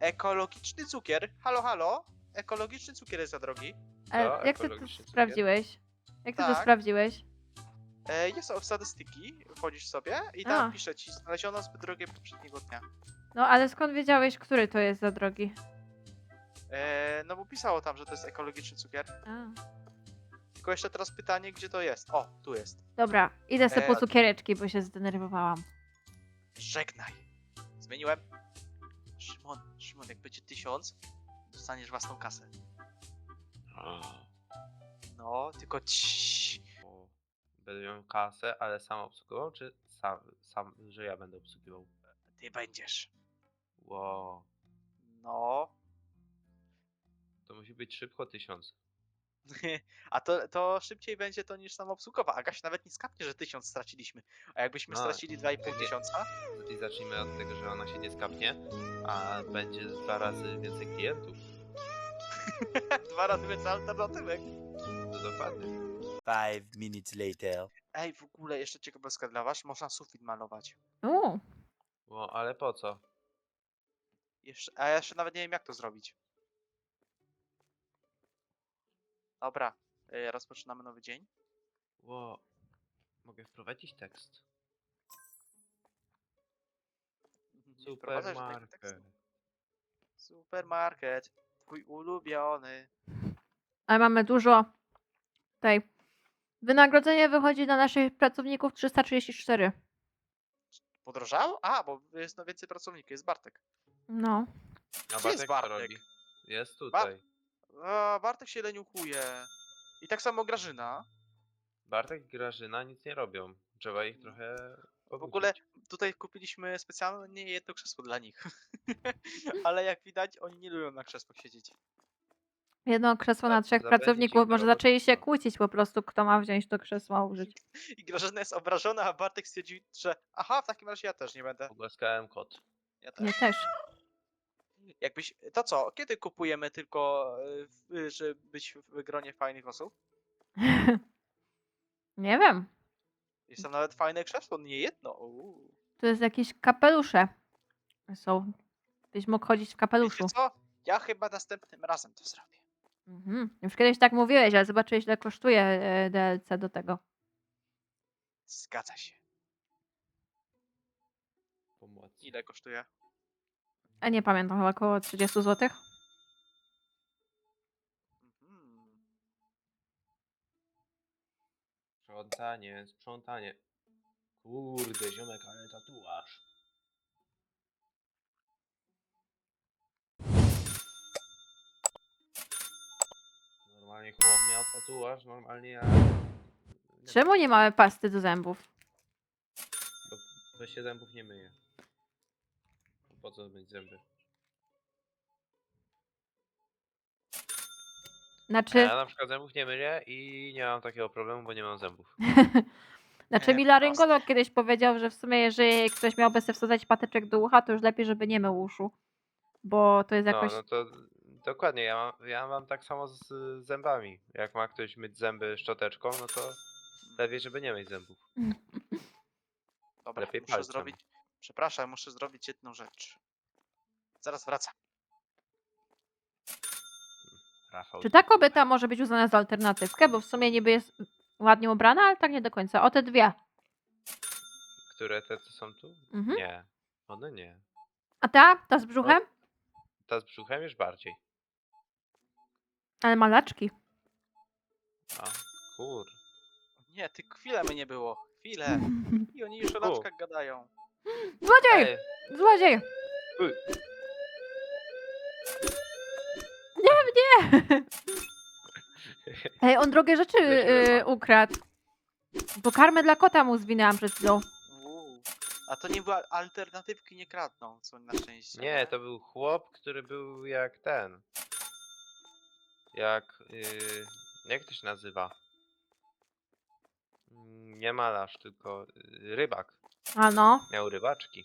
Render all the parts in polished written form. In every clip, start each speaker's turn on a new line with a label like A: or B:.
A: ekologiczny cukier. Halo, halo. Ekologiczny cukier jest za drogi.
B: Co?
C: Jak ty to
B: Ekologiczny cukier?
C: sprawdziłeś? Jak ty to
A: Tak.
C: sprawdziłeś?
A: Jest w statystyki, wchodzisz sobie i
C: A.
A: tam pisze ci, znaleziono zbyt drogie poprzedniego dnia.
C: No ale skąd wiedziałeś, który to jest za drogi?
A: No bo pisało tam, że to jest ekologiczny cukier.
C: A.
A: Tylko jeszcze teraz pytanie, gdzie to jest? O, tu jest.
C: Dobra, idę sobie po
A: a-
C: cukiereczki, bo się zdenerwowałam.
A: Żegnaj. Zmieniłem. Szymon, jak będzie 1000, dostaniesz własną kasę. No, tylko ciii.
B: O, będę miał kasę, ale sam obsługiwał, czy sam, że ja będę obsługiwał?
A: Ty będziesz.
B: Wow,
A: No.
B: to musi być szybko 1000.
A: A to szybciej będzie to niż samoobsługowa. Agaś nawet nie skapnie, że 1000 straciliśmy. A jakbyśmy
B: No,
A: stracili 2,5
B: nie.
A: tysiąca?
B: I zacznijmy od tego, że ona się nie skapnie, a będzie 2 razy więcej klientów.
A: 2 razy więcej alternatywek.
B: To dokładnie.
D: 5 minutes later.
A: Ej, w ogóle jeszcze ciekawostka dla was, można sufit malować.
B: No, ale po co?
A: A ja jeszcze nawet nie wiem, jak to zrobić. Dobra, rozpoczynamy nowy dzień.
B: Wow, mogę wprowadzić tekst.
A: Nie wprowadzaj żadnego
B: Supermarket.
A: tekstu. Supermarket, twój ulubiony.
C: Ale mamy dużo. Tutaj. Wynagrodzenie wychodzi dla naszych pracowników 334.
A: Podrożało? A, bo jest więcej pracowników, jest Bartek.
C: No.
B: A
A: Gdzie jest
B: Bartek co
A: Bartek?
B: robi? Jest tutaj.
A: Bartek się leniuchuje. I tak samo Grażyna.
B: Bartek i Grażyna nic nie robią. Trzeba ich trochę
A: W ogóle
B: pobudzić.
A: tutaj kupiliśmy specjalnie jedno krzesło dla nich. Ale jak widać, oni nie lubią na krzesłach siedzieć.
C: Jedno krzesło na 3
B: Zapędzić ich
C: pracowników.
B: do
C: Może zaczęli się
B: robotnictwa.
C: kłócić po prostu, kto ma wziąć to krzesło użyć.
A: I Grażyna jest obrażona, a Bartek stwierdził, że aha, w takim razie ja też nie będę.
B: Pogłaskałem kot.
A: Ja
C: Nie
A: też.
C: też.
A: Jakbyś, to co, kiedy kupujemy tylko, żeby być w gronie fajnych osób?
C: Nie wiem.
A: Jest tam nawet fajne krzesło, nie jedno.
C: Tu jest jakieś kapelusze. Są. Byś mógł chodzić w kapeluszu.
A: Wiecie co? Ja chyba następnym razem to zrobię.
C: Już kiedyś tak mówiłeś, ale zobaczyłeś, ile kosztuje DLC do tego.
A: Zgadza się.
B: Pomocy.
A: Ile kosztuje?
C: A nie pamiętam, chyba około 30 zł.
A: Mhm.
B: Sprzątanie. Kurde, ziomek, ale tatuaż. Normalnie chłop miał tatuaż, normalnie ja...
C: Czemu nie mamy pasty do zębów?
B: Bo się zębów nie myje. Po co myć zęby?
C: Znaczy,
B: Ja na przykład zębów nie myję i nie mam takiego problemu, bo nie mam zębów.
C: mi laryngolog kiedyś powiedział, że w sumie jeżeli ktoś miałby sobie wsadzać patyczek do ucha, to już lepiej, żeby nie mył uszu. Bo to jest jakoś...
B: No to dokładnie, ja mam tak samo z zębami. Jak ma ktoś myć zęby szczoteczką, no to lepiej, żeby nie myć zębów.
A: Dobra,
B: lepiej
A: muszę
B: palcem.
A: zrobić. Przepraszam, muszę zrobić jedną rzecz. Zaraz wracam.
B: Rafał.
C: Czy ta kobieta może być uznana za alternatywkę? Bo w sumie niby jest ładnie ubrana, ale tak nie do końca. O, te dwie.
B: Które te, co są tu?
C: Mhm.
B: Nie. One nie.
C: A ta? Ta z brzuchem?
B: Ta z brzuchem już bardziej.
C: Ale malaczki.
B: A, kur.
A: Nie, ty chwilę mnie nie było. Chwilę. I oni już o laczkach gadają.
C: Złodziej!
B: Ej,
C: Złodziej!
B: uj.
C: Nie! Ej, on drogie rzeczy
B: Weźmy mam.
C: ukradł. Bo karmę dla kota mu zwinęłam przed chwilą.
A: A to nie była alternatywki, nie kradną, co na szczęście.
B: Nie, to był chłop, który był jak ten. Jak... jak to się nazywa? Nie malarz, tylko rybak.
C: A no.
B: Miał rybaczki.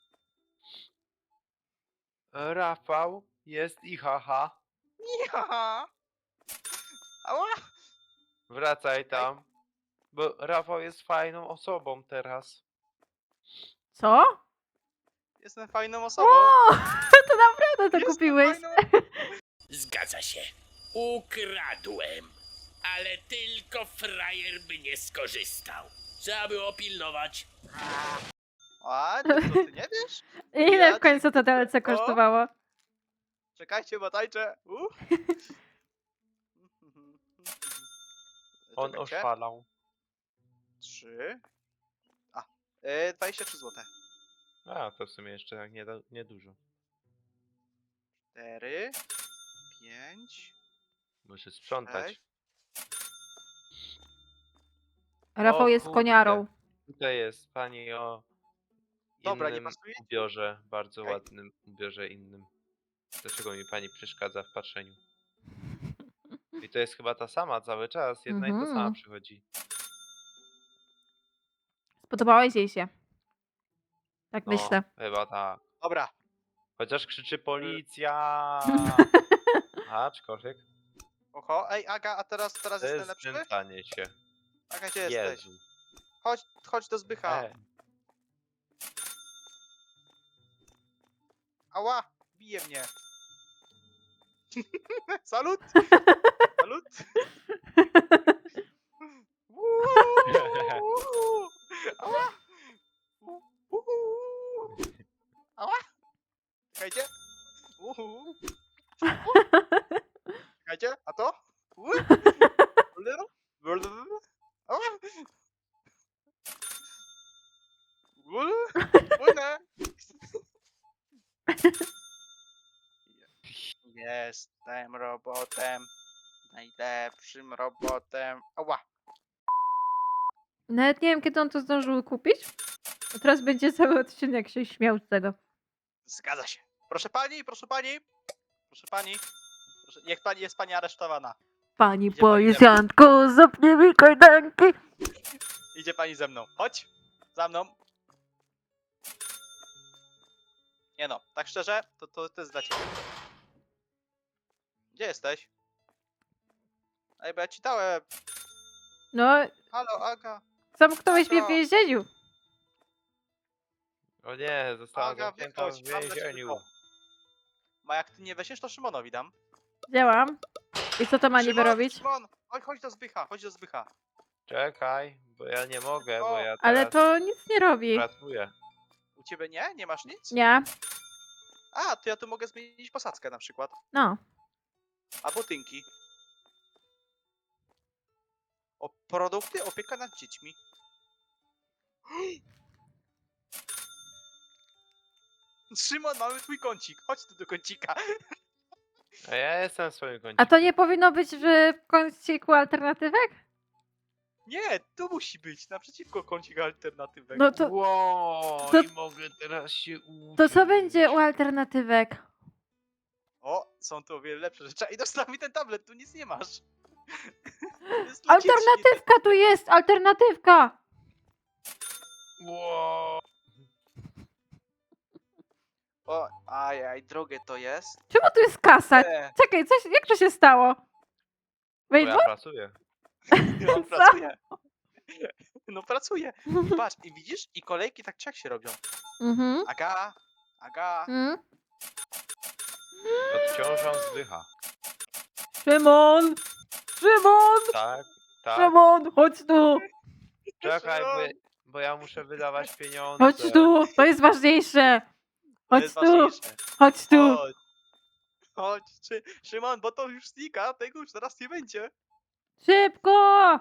B: Rafał jest i haha.
A: Ja! Ała!
B: Wracaj tam. Bo Rafał jest fajną osobą teraz.
C: Co?
A: Jestem fajną osobą.
C: O, to naprawdę to
A: Jestem
C: kupiłeś.
A: fajną-
E: Zgadza się. Ukradłem. Ale tylko frajer by nie skorzystał. Trzeba było pilnować.
A: A, to ty nie wiesz?
C: Ile
A: Ja
C: w końcu to
A: ci-
C: DLC
A: O.
C: kosztowało?
A: Czekajcie, bo tańczę.
B: On
A: Czekajcie.
B: oszalał.
A: 3. 23 zł.
B: A, to w sumie jeszcze tak niedużo.
A: 4. 5.
B: Muszę sprzątać.
A: Cześć.
C: Rafał
B: O
C: jest
B: kurde.
C: koniarą.
B: Tutaj jest pani o
A: Dobra, nie
B: innym
A: pasuje?
B: ubiorze, bardzo
A: Okej.
B: ładnym ubiorze innym. Dlaczego mi pani przeszkadza w patrzeniu? I to jest chyba ta sama cały czas, jedna i ta sama
C: Mhm.
B: przychodzi.
C: Spodobałeś jej się. Tak
B: No,
C: myślę.
B: chyba tak.
A: Dobra.
B: Chociaż krzyczy policja! Aczkolwiek
A: Oho, ej Aga, a teraz
B: to
A: jestem
B: jest
A: lepszy?
B: znęcanie się.
A: Aga, gdzie jesteś?
B: Jezu.
A: Chodź do Zbycha.
B: E,
A: Ała, bije mnie. Salut! Salut! Uuu, ała! Uuu, ała! Czekajcie. Uhu. Czekajcie, a to? Ała! Płynę! Jestem robotem. Najlepszym robotem. Ała!
C: Nawet nie wiem, kiedy on to zdążył kupić. A teraz będzie cały odcinek się śmiał z tego.
A: Zgadza się. Proszę pani, proszę pani. Proszę pani. Proszę, niech pani jest pani aresztowana.
C: Pani
A: Idzie pani
C: policjantko, zapnij mi kajdanki.
A: Idzie pani ze mną. Chodź. Za mną. Nie no, tak szczerze, to jest dla ciebie. Gdzie jesteś? Ej, bo ja ci dałem.
C: No,
A: Halo, Aga.
C: zamknąłeś mnie w
A: Aga.
C: więzieniu.
B: O nie, została
A: Aga,
B: zamknięta w
A: wychodź, mam dla ciebie
B: więzieniu.
A: to. Ma jak ty nie weźmiesz, to Szymonowi dam.
C: Działam. I co to ma niby
A: Szymon,
C: robić?
A: Szymon, chodź do Zbycha, chodź do Zbycha.
B: Czekaj, bo ja nie mogę, bo
A: O,
B: ja
C: Ale
B: teraz
C: to nic nie robi.
B: pracuję.
A: U ciebie nie? Nie masz nic?
C: Nie.
A: A, to ja tu mogę zmienić posadzkę na przykład.
C: No.
A: Albo tynki. O produkty, opieka nad dziećmi. Szymon, mamy twój kącik. Chodź tu do kącika.
B: A ja jestem w swoim kącie.
C: A to nie powinno być w kąciku alternatywek?
A: Nie, tu musi być, naprzeciwko kącik alternatywek.
C: No to,
B: Wow,
C: to-
B: i mogę teraz się uczyć.
C: to co będzie u alternatywek?
A: O, są tu o wiele lepsze rzeczy. I dostaw mi ten tablet, tu nic nie masz. To jest dla dzieci.
C: Alternatywka tu jest! Alternatywka!
B: Wow.
A: O, ajaj, drogie to jest.
C: Czemu tu jest kasa? Czekaj, jak to się stało?
B: Bo
C: Wejdź,
B: ja pracuję.
A: No, pracuje. No pracuje. I patrz, i widzisz? I kolejki tak czy jak się robią.
C: Mhm.
A: Aga.
C: Mm.
B: Odciążam zdycha.
C: Szymon! Szymon!
B: Tak, tak.
C: Szymon! Chodź tu!
B: Czekaj,
A: Szymon.
B: bo ja muszę wydawać pieniądze.
C: Chodź tu! To jest ważniejsze!
A: To
C: Chodź
A: jest
C: tu!
A: ważniejsze.
C: Chodź tu!
A: Chodź, Szymon, bo to już znika, tego już zaraz nie będzie.
C: Szybko!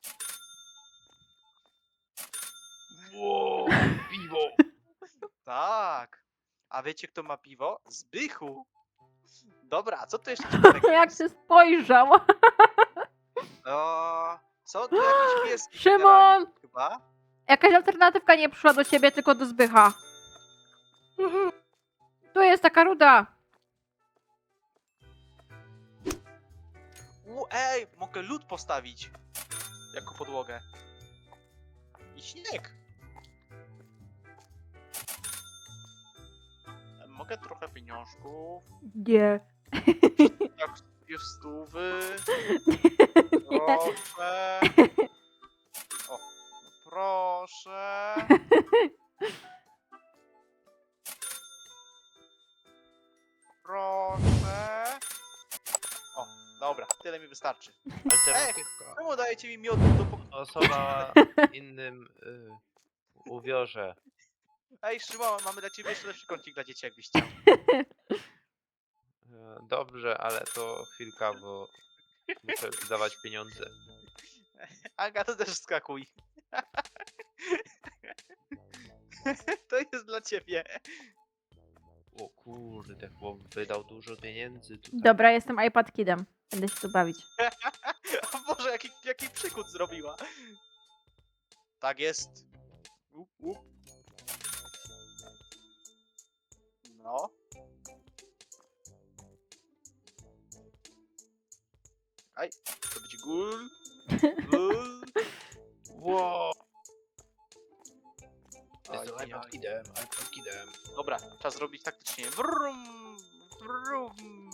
B: Wow, piwo.
A: Tak. A wiecie kto ma piwo? Zbychu. Dobra, co tu jeszcze ciekawego
C: Jak
A: jest?
C: się spojrzał!
A: Co? Tu jakieś pieski
C: Szymon!
A: generalnie chyba.
C: Jakaś alternatywka nie przyszła do ciebie, tylko do Zbycha. Tu jest taka ruda.
A: Ej, mogę lód postawić. Jako podłogę. I śnieg. Mogę trochę pieniążków.
C: Nie.
A: Jak już stówy.
C: Nie.
A: Proszę. O, no proszę. Dobra, tyle mi wystarczy.
B: Alternatywka.
A: Czemu dajecie mi miodu do pokoju?
B: Osoba innym uwiorze.
A: Ej, Szymon, mamy dla ciebie jeszcze lepszy kącik dla dzieci, jakbyś chciał.
B: Dobrze, ale to chwilka, bo muszę wydawać pieniądze.
A: Aga, to też skakuj. To jest dla ciebie.
B: O kurde, chłop wydał dużo pieniędzy tutaj.
C: Dobra, jestem iPad Kidem. Będę się tu bawić.
A: O Boże, jaki przykład zrobiła. Tak jest. Up. No. Aj, to będzie gul. Gul.
B: Wow!
A: Oj,
B: Jestem iPad Kidem.
A: Dobra, czas zrobić taktycznie. Wrum, wrum.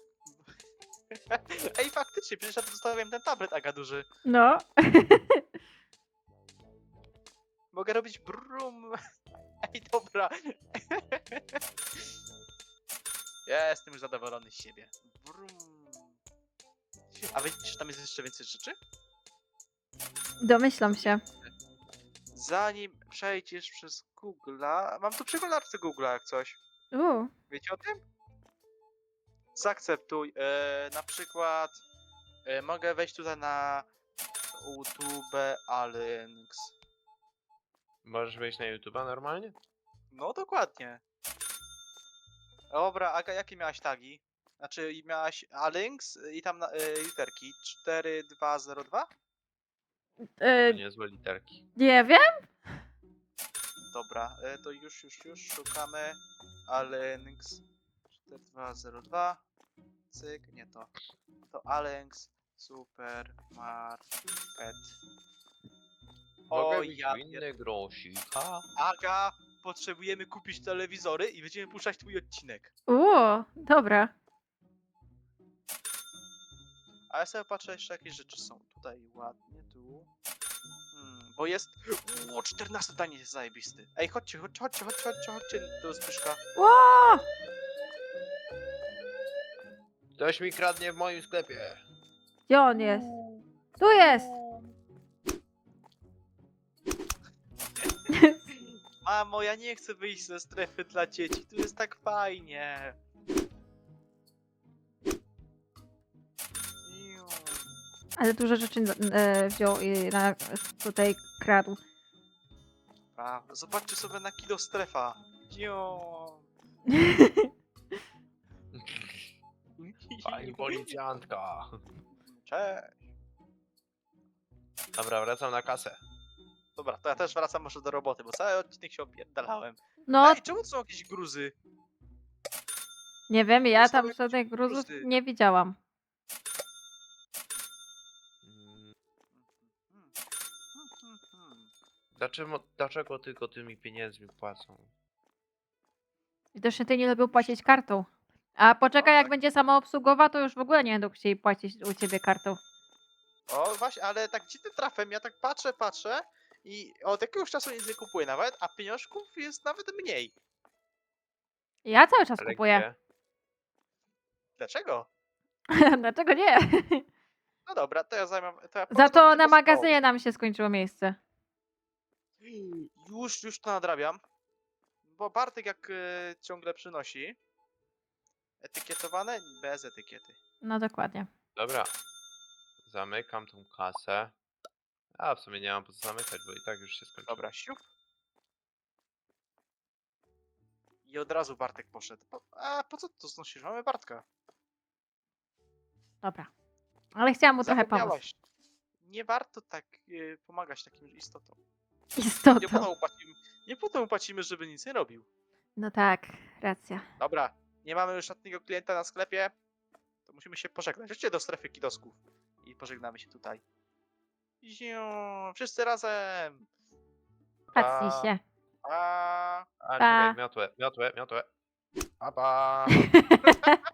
A: Ej, faktycznie, przecież ja tu zostawiłem ten tablet, Aga, duży.
C: No.
A: Mogę robić brum. Ej, dobra. Ja jestem już zadowolony z siebie. Brum. A wiecie, że tam jest jeszcze więcej rzeczy?
C: Domyślam się.
A: Zanim przejdziesz przez Google'a... Mam tu przeglądarkę Google'a jak coś. Wiecie o tym? Zaakceptuj. Na przykład mogę wejść tutaj na YouTube Alinks.
B: Możesz wejść na YouTube'a normalnie?
A: No dokładnie. Dobra, Aga, jakie miałaś tagi? Znaczy miałaś Alinks i tam literki 4202?
B: To niezłe literki.
C: Nie wiem.
A: Dobra, to już szukamy Alinks 4202. Cyk, nie to. To Alinks Supermarket.
B: Mogę
A: Oj,
B: mieć
A: ja
B: inny grosika?
A: Aga, potrzebujemy kupić telewizory i będziemy puszczać twój odcinek.
C: Dobra.
A: A ja sobie patrzę jeszcze jakieś rzeczy są. Tutaj ładnie, tu. Bo jest... O, 14 danie jest zajebisty. Ej, chodźcie do Zbyszka.
C: Ło!
B: Ktoś mi kradnie w moim sklepie.
C: Gdzie on jest? Tu jest!
A: Mamo, ja nie chcę wyjść ze strefy dla dzieci. Tu jest tak fajnie. Iu.
C: Ale dużo rzeczy wziął i tutaj kradł.
A: Prawda. Zobaczcie sobie na Kido Strefa. Cio.
B: Pani policjantka.
A: Cześć.
B: Dobra, wracam na kasę.
A: Dobra, to ja też wracam może do roboty, bo cały odcinek się opierdalałem.
C: No,
A: Ej, czemu to są jakieś gruzy?
C: nie wiem, ja
A: są
C: tam
A: jakieś
C: żadnych gruzów
A: gruzdy.
C: nie widziałam.
B: Dlaczego tylko tymi pieniędzmi płacą?
C: Widocznie ty nie lubił płacić kartą. A poczekaj,
A: No
C: jak
A: tak.
C: będzie samoobsługowa, to już w ogóle nie będą chcieli płacić u ciebie kartą.
A: O, właśnie, ale tak dziwnym trafem, ja tak patrzę i od jakiegoś czasu nic nie kupuję nawet, a pieniążków jest nawet mniej.
C: Ja cały czas
B: Ale
C: kupuję.
B: gdzie?
A: Dlaczego?
C: Dlaczego nie?
A: No dobra, to ja zajmę. To ja
C: Za to
A: polecam
C: na
A: tego
C: magazynie nam się skończyło miejsce.
A: stołu. Już to nadrabiam. Bo Bartek jak ciągle przynosi. Etykietowane? Bez etykiety.
C: No dokładnie.
B: Dobra. Zamykam tą kasę. A w sumie nie mam po co zamykać, bo i tak już się skończyło.
A: Dobra, siup. I od razu Bartek poszedł. A po co to znosisz? Mamy Bartka.
C: Dobra. Ale chciałam mu trochę pomóc.
A: Zapomniałaś. Nie warto tak pomagać takim istotom. Nie
C: Istotą.
A: potem mu płacimy, żeby nic nie robił.
C: No tak, racja.
A: Dobra, nie mamy już żadnego klienta na sklepie. To musimy się pożegnać. Chodźcie do strefy kidosków. I pożegnamy się tutaj. Ziu, wszyscy razem.
C: Patrzcie się.
A: A...
B: A,
C: Pa.
B: czekaj, miotłę. Pa, pa.